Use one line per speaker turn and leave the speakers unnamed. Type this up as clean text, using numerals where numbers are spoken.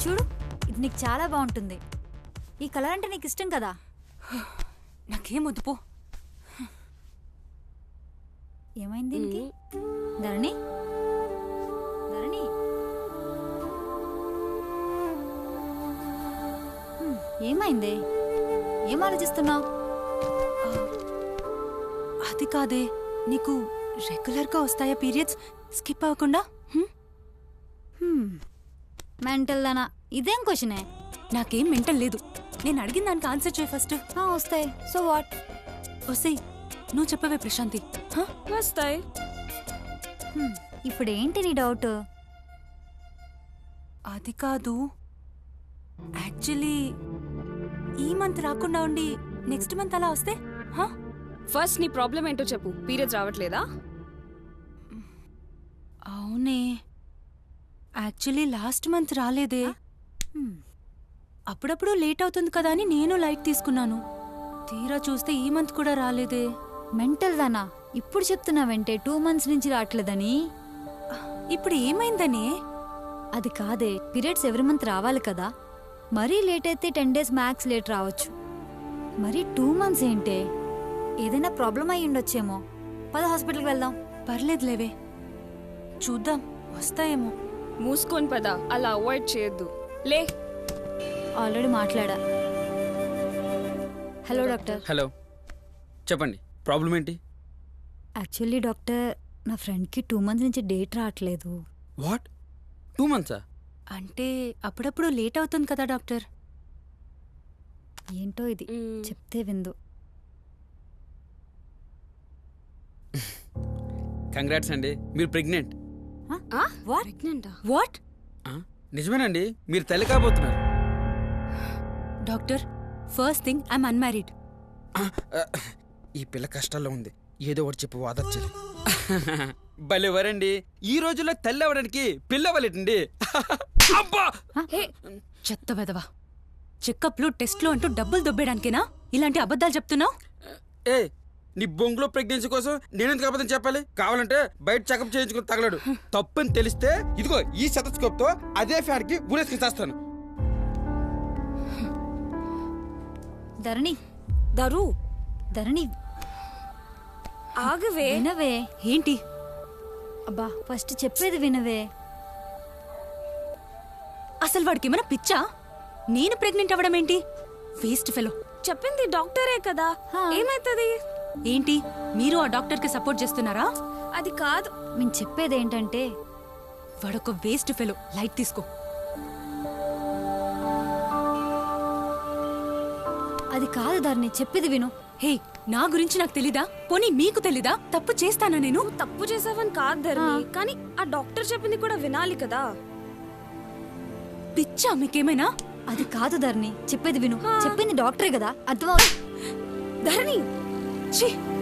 చూడు, ఇది నీకు చాలా బాగుంటుంది. ఈ కలర్ అంటే నీకు ఇష్టం కదా.
నాకేం వద్దు పో.
ఏమైంది దీనికి? ధరణి, ధరణి, ఏమైంది? ఏం ఆలోచిస్తున్నావు?
అది కాదే, నీకు రెగ్యులర్గా వస్తాయా పీరియడ్స్ స్కిప్ అవ్వకుండా?
మెంటల్ దానా, ఇదేం క్వశ్చనే?
నాకేం మెంటల్ లేదు. నేను అడిగిన దానికి ఆన్సర్ చేయి ఫస్ట్.
వస్తాయి. So what?
వస్తాయి. నువ్వు చెప్పవే ప్రశాంతి.
వస్తాయి.
ఇప్పుడు ఏంటి నీ డౌట్?
అది కాదు, యాక్చువల్లీ ఈ మంత్ రాకుండా ఉండి నెక్స్ట్ మంత్ అలా వస్తే?
ఫస్ట్ నీ ప్రాబ్లం ఏంటో చెప్పు. పీరియడ్స్ రావట్లేదా?
అవునే, యాక్చువల్లీ లాస్ట్ మంత్ రాలేదే. అప్పుడప్పుడు లేట్ అవుతుంది కదా అని నేను లైట్ తీసుకున్నాను. తీరా చూస్తే ఈ మంత్ కూడా రాలేదే.
మెంటల్ దానా, ఇప్పుడు చెప్తున్నావంటే 2 months నుంచి రావట్లేదని.
ఇప్పుడు ఏమైందనే?
అది కాదే, పీరియడ్స్ ఎవ్రీ మంత్ రావాలి కదా. మరీ లేట్ అయితే 10 days మ్యాక్స్ లేట్ రావచ్చు. మరి 2 months ఏంటే? ఏదైనా ప్రాబ్లం అయి ఉండొచ్చేమో. పద హాస్పిటల్కి వెళ్దాం.
పర్లేదులేవే, చూద్దాం, వస్తాయేమో.
మూసుకొని పద, అలా అవాయిడ్ చేయొద్దు. లే.
ఆల్రెడీ మాట్లాడా. Hello doctor.
హలో, చెప్పండి, ప్రాబ్లం ఏంటి?
యాక్చువల్లీ డాక్టర్, నా ఫ్రెండ్కి 2 months నుంచి డేట్ రావట్లేదు.
What, 2 months?
అంటే అప్పుడప్పుడు లేట్ అవుతుంది కదా డాక్టర్.
ఏంటో ఇది, చెప్తే విందు.
కంగ్రాట్స్ అండి, మీరు ప్రెగ్నెంట్.
ప్రెగ్నెంటా?
వాట్?
నిజమేనండి, మీరు తల్లి కాబోతున్నారు.
Doctor, first thing I'm unmarried.
ఈ పిల్ల కష్టాల్లో ఉంది, ఏదో ఒకటి చెప్పు వాదర్చాలి. భలేవారండి, ఈ రోజుల్లో తల్లి అవ్వడానికి పిల్ల అవ్వలేటండి. అబ్బా,
చెత్త వెదవా. చెకప్లు టెస్ట్లు అంటూ డబ్బులు దొబ్బేయడానికేనా ఇలాంటి అబద్ధాలు చెప్తున్నావు?
ఏ నీ బొంగులో ప్రెగ్నెన్సీ కోసం నేనెందుకు అబద్ధం చెప్పాలి? కావాలంటే బయట చెకప్ చేయించుకుని తగలడు. తప్పని తెలిస్తే ఇదిగో ఈ సెటస్కోప్ తో అదే ఫ్యాన్ కి ఊరేసుకుని చేస్తాను.
ధరణి,
దరు,
ధరణి
ఆగవే.
వినవే.
ఏంటి?
అబ్బా, ఫస్ట్ చెప్పేది వినవే.
అసలు వాడికి ఏమైనా పిచ్చా? నేను ప్రెగ్నెంట్ అవ్వడం ఏంటి? Waste fellow.
చెప్పింది డాక్టరే కదా, ఏమైతుంది?
ఏంటి, మీరు ఆ డాక్టర్కి సపోర్ట్ చేస్తున్నారా?
అది కాదు,
నేను చెప్పేది ఏంటంటే,
వాడొక వేస్ట్ ఫెలో. లైట్ తీసుకో.
అది కాదు ధరణి, చెప్పేది విను.
హే, నా గురించి నాకు తెలీదా? పోనీ మీకు తెలీదా? తప్పు చేస్తానా నేను?
తప్పు చేసావని కాదు ధరణి, కానీ ఆ డాక్టర్ చెప్పింది కూడా వినాలి కదా.
పిచ్చా మీకేమైనా?
అది కాదు ధరణి, చెప్పేది విను. చెప్పింది డాక్టరే కదా, అర్థం.
ధరణి,
ఛీ,